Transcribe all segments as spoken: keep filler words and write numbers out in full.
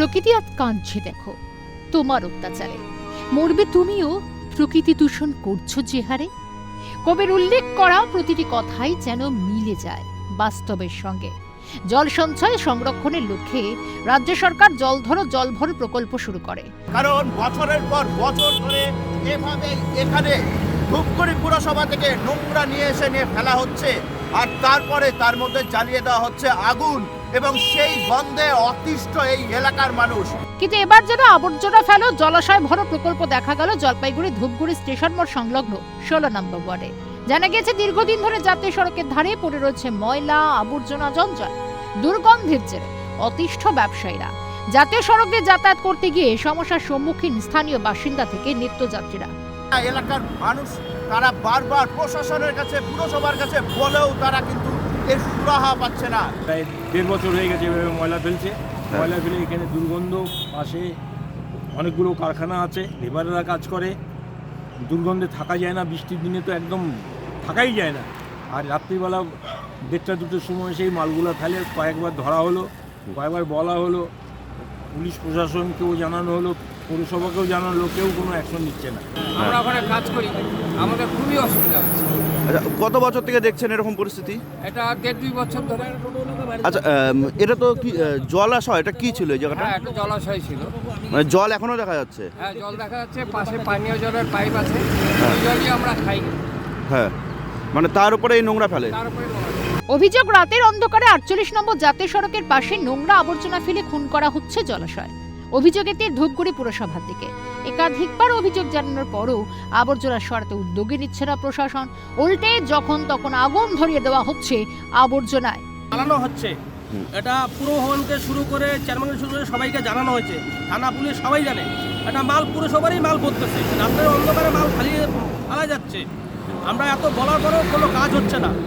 প্রকৃতি আজ কাঁদছে দেখো তোমার অত্যাচারে। মরবে তুমিও, প্রকৃতি দূষণ করছো যে হারে। কবির উল্লেখ করা প্রতিটি কথাই যেন মিলে যায় বাস্তবের সঙ্গে। জল সঞ্চয় সংরক্ষণের লক্ষ্যে রাজ্য সরকার জলধরো জলভর প্রকল্প শুরু করে। কারণ বছরের পর বছর ধরে এভাবে এখানে ধূপগুড়ি পুরসভা থেকে নোংরা নিয়ে এসে নিয়ে ফেলা হচ্ছে, আর তারপরে তার মধ্যে জ্বালিয়ে দেওয়া হচ্ছে আগুন, এবং সেই গন্ধে অতিষ্ঠ এই এলাকার মানুষ। কিন্তু এবার যেন আবর্জনা ফেলো জলাশয় ভরো প্রকল্প দেখা গেল জলপাইগুড়ি ধূপগুড়ি স্টেশন মোড় সংলগ্ন ষোলো নম্বর ওয়ার্ডে। জানা গিয়েছে দীর্ঘদিন ধরে জাতীয় সড়কের ধারে পড়ে রয়েছে ময়লা আবর্জনা জঞ্জাল। দুর্গন্ধের জেরে অতিষ্ঠ ব্যবসায়ীরা জাতীয় সড়ক দিয়ে যাতায়াত করতে গিয়ে সমস্যার সম্মুখীন স্থানীয় বাসিন্দা থেকে নিত্যযাত্রীরা। এলাকার মানুষ তারা বারবার প্রশাসনের কাছে পুরসভার কাছে বলেও তারা কিন্তু এর সুরাহা পাচ্ছে না। প্রায় দেড় বছর হয়ে গেছে এভাবে ময়লা ফেলছে। ময়লা ফেলে এখানে দুর্গন্ধ, পাশে অনেকগুলো কারখানা আছে, লেবাররা কাজ করে, দুর্গন্ধে থাকা যায় না। বৃষ্টির দিনে তো একদম থাকাই যায় না। আর রাত্রিবেলা দেড়টা দুটোর সময় সেই মালগুলো ফেলে। কয়েকবার ধরা হলো, কয়েকবার বলা হলো, পুলিশ প্রশাসনকেও জানানো হলো, পৌরসভাকেও জানানো হলো, কেউ কোনো অ্যাকশন নিচ্ছে না। আমরা ওখানে কাজ করি, আমাদের খুবই অসুবিধা হচ্ছে। আচ্ছা, কত বছর থেকে দেখছেন এরকম পরিস্থিতি? এটা দেড় দুই বছর ধরে। আচ্ছা, এটা তো কি জলাশয়? এটা কি ছিল এই জায়গাটা? হ্যাঁ, একটা জলাশয় ছিল। মানে জল এখনো দেখা যাচ্ছে? হ্যাঁ, জল দেখা যাচ্ছে, পাশে পানীয় জলের পাইপ আছে, ওই জলই আমরা খাই। হ্যাঁ, মানে তার উপরে এই নোংরা ফেলে। তারপরে অভিযোগ, রাতের অন্ধকারে আটচল্লিশ নম্বর জাতীয় সড়কের পাশে নোংরা আবর্জনা ফেলে খুন করা হচ্ছে জলাশয়। অভিযোগ এতে ধূপগুড়ি পুরসভার দিকে। একাধিকবার অভিযোগ জানানোর পরও আবর্জনা সরাতে উদ্যোগী নিচ্ছে না প্রশাসন। উল্টে যখন তখন আগুন ধরিয়ে দেওয়া হচ্ছে আবর্জনায়। জানানো হচ্ছে, এটা পুরো ভবনকে শুরু করে চেয়ারম্যানকে শুরু করে সবাইকে জানানো হয়েছে। থানা পুলিশ সবাই জানে এটা মাল পুরসভারই মাল করতেছে। রাতের অন্ধকারে মাল ফালিয়ে ফেলা যাচ্ছে। আমরা এত বলার পরেও কোনো কাজ হচ্ছে না।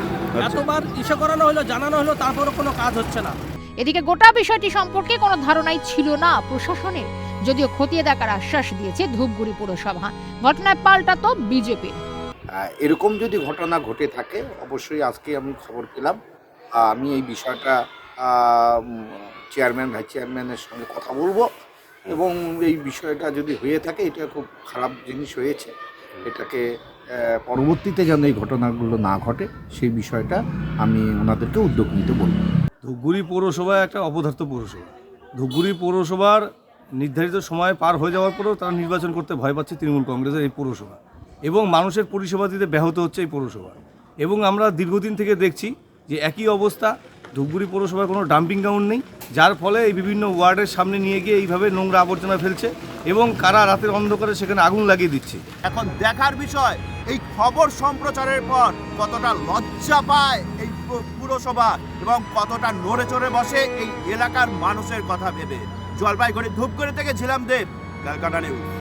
এতবার ইসে করানো হলো, জানানো হলো, তারপরও কোনো কাজ হচ্ছে না। এদিকে গোটা বিষয়টি সম্পর্কে কোনো ধারণাই ছিল না প্রশাসনের, যদিও খতিয়ে দেখার আশ্বাস দিয়েছে ধূপগুড়ি পুরসভা। ঘটনায় পাল্টাতো বিজেপি। এরকম যদি ঘটনা ঘটে থাকে, অবশ্যই আজকে আমি খবর পেলাম। আমি এই বিষয়টা চেয়ারম্যান ভাইস চেয়ারম্যানের সঙ্গে কথা বলবো, এবং এই বিষয়টা যদি হয়ে থাকে, এটা খুব খারাপ জিনিস হয়েছে। এটাকে পরবর্তীতে যেন এই ঘটনাগুলো না ঘটে সেই বিষয়টা আমি ওনাদেরকে উদ্যোগ নিতে বলব। ধূপগুড়ি পৌরসভা একটা অপদার্থ পৌরসভা। ধূপগুড়ি পৌরসভার নির্ধারিত সময় পার হয়ে যাওয়ার পরেও তারা নির্বাচন করতে ভয় পাচ্ছে তৃণমূল কংগ্রেসের এই পৌরসভা, এবং মানুষের পরিষেবা দিতে ব্যাহত হচ্ছে এই পৌরসভা। এবং আমরা দীর্ঘদিন থেকে দেখছি যে একই অবস্থা, ধূপগুড়ি পৌরসভার কোনো ডাম্পিং গ্রাউন্ড নেই, যার ফলে এই বিভিন্ন ওয়ার্ডের সামনে নিয়ে গিয়ে এইভাবে নোংরা আবর্জনা ফেলছে, এবং কারা রাতের অন্ধকারে সেখানে আগুন লাগিয়ে দিচ্ছে। এখন দেখার বিষয় এই খবর সম্প্রচারের পর কতটা লজ্জা পায় এই পুরসভা, এবং কতটা নড়ে চড়ে বসে এই এলাকার মানুষের কথা ভেবে। জলপাইগুড়ি ধূপগুড়ি থেকে ঝিলাম দেব, ক্যালকাটা নিউজ।